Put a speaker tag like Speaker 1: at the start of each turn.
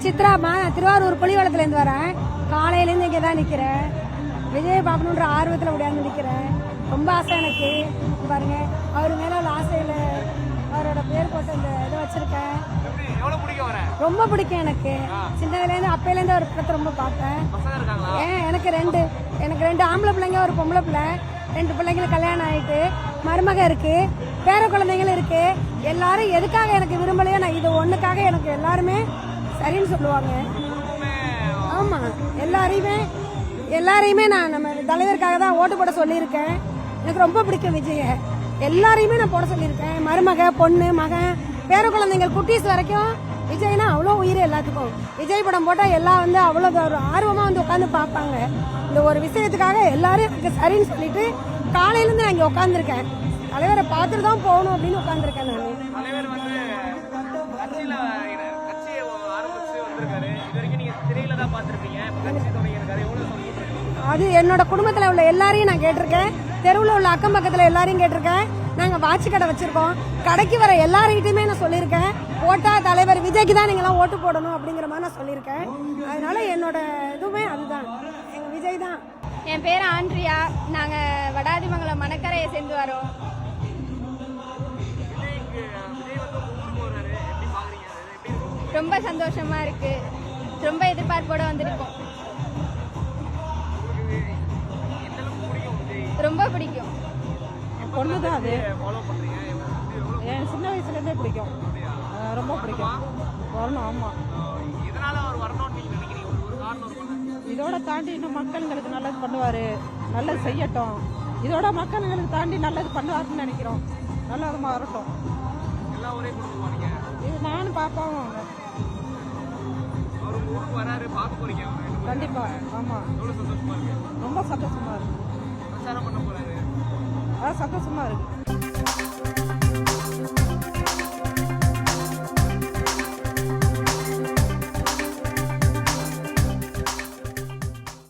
Speaker 1: சித்ராமா, நான் திருவாரூர் புலிவளத்துலேருந்து வரேன். காலையிலேருந்து இங்கே தான் நிற்கிறேன். விஜய் பார்க்கணுன்ற ஆர்வத்தில் முடியாது நிற்கிறேன். ரொம்ப ஆசை எனக்கு. பாருங்க, அவர் மேலே உள்ள ஆசையில் அவரோட பேர் போட்டு இந்த இதை வச்சிருக்கேன். ரொம்ப பிடிக்கும் எனக்கு. சின்னதுலேருந்து அப்பையிலேருந்து அவர் படத்தை ரொம்ப பார்த்தேன். எனக்கு ரெண்டு ஆம்பளை பிள்ளைங்க, ஒரு பொம்பளை பிள்ளை. 2 பிள்ளைங்களுக்கு கல்யாணம் ஆகிட்டு மருமக இருக்கு, பேர குழந்தைங்களும் இருக்கு. எல்லாரும் எதுக்காக எனக்கு விரும்பலையோ நான் இது ஒண்ணுக்காக எனக்கு எல்லாருமே சரின்னு சொல்லுவாங்க. ஆமா, எல்லாரையுமே நான் நம்ம தலைவருக்காக தான் ஓட்டு போட சொல்லியிருக்கேன். எனக்கு ரொம்ப பிடிக்கும் விஜய. எல்லாரையுமே நான் போட சொல்லியிருக்கேன். மருமக, பொண்ணு, மகன், பேர குழந்தைங்கள், குட்டீஸ் வரைக்கும் விஜய்னா அவ்வளோ உயிர் எல்லாத்துக்கும். விஜய் படம் போட்டால் எல்லாம் வந்து அவ்வளோ ஒரு ஆர்வமாக வந்து உட்காந்து பார்ப்பாங்க. இந்த ஒரு விஷயத்துக்காக எல்லாரும் எனக்கு சரின்னு சொல்லிட்டு காலையிலேருந்து நான் இங்கே உட்காந்துருக்கேன். தலைவரை பார்த்துட்டு தான் போகணும் அப்படின்னு உட்காந்துருக்கேன் நான். அது என்னோட குடும்பத்தில் உள்ள எல்லாரையும் நான் கேட்டிருக்கேன். தெருவில் உள்ள அக்கம் பக்கத்தில் எல்லாரையும் கேட்டிருக்கேன். நாங்கள் வாட்சி கடை வச்சிருக்கோம். கடைக்கு வர எல்லார்கிட்டையுமே நான் சொல்லியிருக்கேன், ஓட்டா தலைவர் விஜய்க்கு தான் நீங்களாம் ஓட்டு போடணும் அப்படிங்கிற மாதிரி நான் சொல்லியிருக்கேன். அதனால என்னோட இதுவுமே அதுதான், எங்க விஜய் தான்.
Speaker 2: என் பேர் ஆண்ட்ரியா. நாங்கள் வடாதிமங்கலம் மணக்கரையை சேர்ந்து வரோம். ரொம்ப சந்தோஷமா இருக்கு. ரொம்ப எதிர்பார்ப்போட வந்திருக்கோம். ரொம்ப பிடிக்கும்.
Speaker 3: பொண்ணு தான் அது. என் சின்ன வயசுலேருந்தே பிடிக்கும். ரொம்ப பிடிக்கும். வரணும். ஆமாம், இதோட தாண்டி இன்னும் மக்களுங்களுக்கு நல்லது பண்ணுவார். நல்லது செய்யட்டும். இதோட மக்களுங்களுக்கு தாண்டி நல்லது பண்ணுவாருன்னு நினைக்கிறோம். நல்ல விதமாக வரட்டும். இது நானும் பாப்பாவும் கண்டிப்பா. ஆமாம், ரொம்ப சந்தோஷமா இருக்கு. சந்தோஷமா இருக்கு.